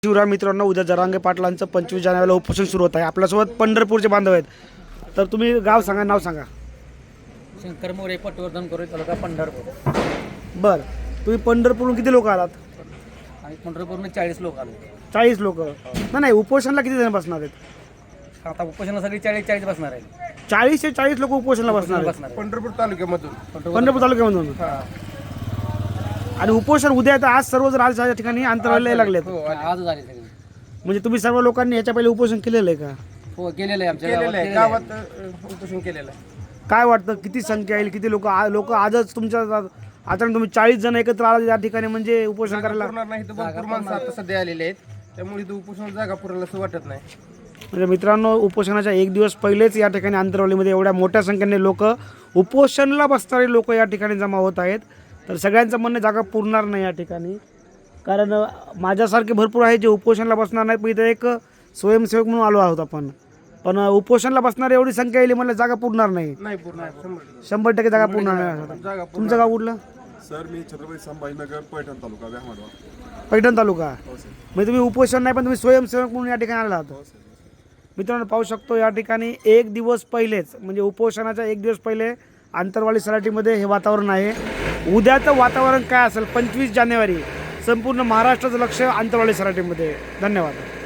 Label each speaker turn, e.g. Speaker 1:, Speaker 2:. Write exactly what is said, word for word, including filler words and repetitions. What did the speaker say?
Speaker 1: शिवराय मित्रांनो, उद्या जरांगे पाटलांचं पंचवीस जानेवारीला उपोषण सुरू होत आहे. आपल्यासोबत पंढरपूरचे बांधव आहेत. तर तुम्ही गाव सांगा, नाव सांगा.
Speaker 2: शंकर मोरे, पटवर्धन करू तालुका पंढरपूर.
Speaker 1: बरं, तुम्ही पंढरपूरहून किती लोक आलात?
Speaker 2: आणि पंढरपूरने चाळीस लोक आले.
Speaker 1: चाळीस लोक नाही नाही उपोषणला किती जण बसणार आहेत?
Speaker 2: आता उपोषणासाठी चाळीस चाळीस बसणार आहे.
Speaker 1: चाळीस ते चाळीस लोक उपोषणला बसणार आहेत
Speaker 2: बसणार आहे.
Speaker 3: पंढरपूर तालुक्यामधून
Speaker 1: पंढरपूर तालुक्यामधून.
Speaker 2: हा.
Speaker 1: आणि उपोषण उद्या आहे, तर आज सर्वजण आज या ठिकाणी अंतराला लागलेत.
Speaker 2: हो, आज झाले सगळे.
Speaker 1: म्हणजे तुम्ही सर्व लोकांनी याच्या पहिले उपोषण केलेलं आहे का?
Speaker 2: हो, गेलेलं आहे आमच्या
Speaker 3: केलेलं आहे.
Speaker 2: गावात.
Speaker 3: गावात अ, उपोषण केलेलं आहे.
Speaker 1: काय वाटतं, किती संख्या येईल, किती लोक लोक आजच तुमच्या आता तुम्ही चाळीस जण एकत्र आला या ठिकाणी म्हणजे उपोषण
Speaker 3: जागा
Speaker 1: करायला?
Speaker 3: पुरणार नाही तर भरपूर माणसं आता सध्या आलेले आहेत, त्यामुळे इथं उपोषण जागा पुरेल असं वाटत नाही.
Speaker 1: म्हणजे मित्रांनो, उपोषणाच्या एक दिवस पहिलेच या ठिकाणी आंतरवलीमध्ये एवढ्या मोठ्या संख्येने लोक उपोषणाला बसणारे लोक या ठिकाणी जमा होत आहेत. तर सगळ्यांचं म्हणणं जागा पुरणार नाही या ठिकाणी, कारण माझ्यासारखे भरपूर आहे जे उपोषणाला बसणार नाहीत. पण इथं एक स्वयंसेवक म्हणून आलो आहोत आपण, पण उपोषणाला बसणारी एवढी संख्या येईल म्हणलं जागा पुरणार नाही.
Speaker 3: नाही पूर्ण शंभर टक्के.
Speaker 1: शंभर टक्के जागा पुरणार नाही.
Speaker 3: जागा
Speaker 1: तुमचं गाव कुठलं?
Speaker 4: सर मी छत्रपती संभाजीनगर पैठण तालुका व्याहाडवा.
Speaker 1: पैठण तालुका.
Speaker 4: हो सर.
Speaker 1: म्हणजे तुम्ही उपोषण नाही, पण तुम्ही स्वयंसेवक म्हणून या ठिकाणी आला आहात.
Speaker 4: हो सर.
Speaker 1: मित्रांनो, पाहू शकतो या ठिकाणी एक दिवस पहिलेच म्हणजे उपोषणाच्या एक दिवस पहिले आंतरवाली सराटीमध्ये हे वातावरण आहे. उद्याचं वातावरण काय असेल पंचवीस जानेवारी संपूर्ण महाराष्ट्राचं लक्ष आंतरवाली सराटीमध्ये. धन्यवाद.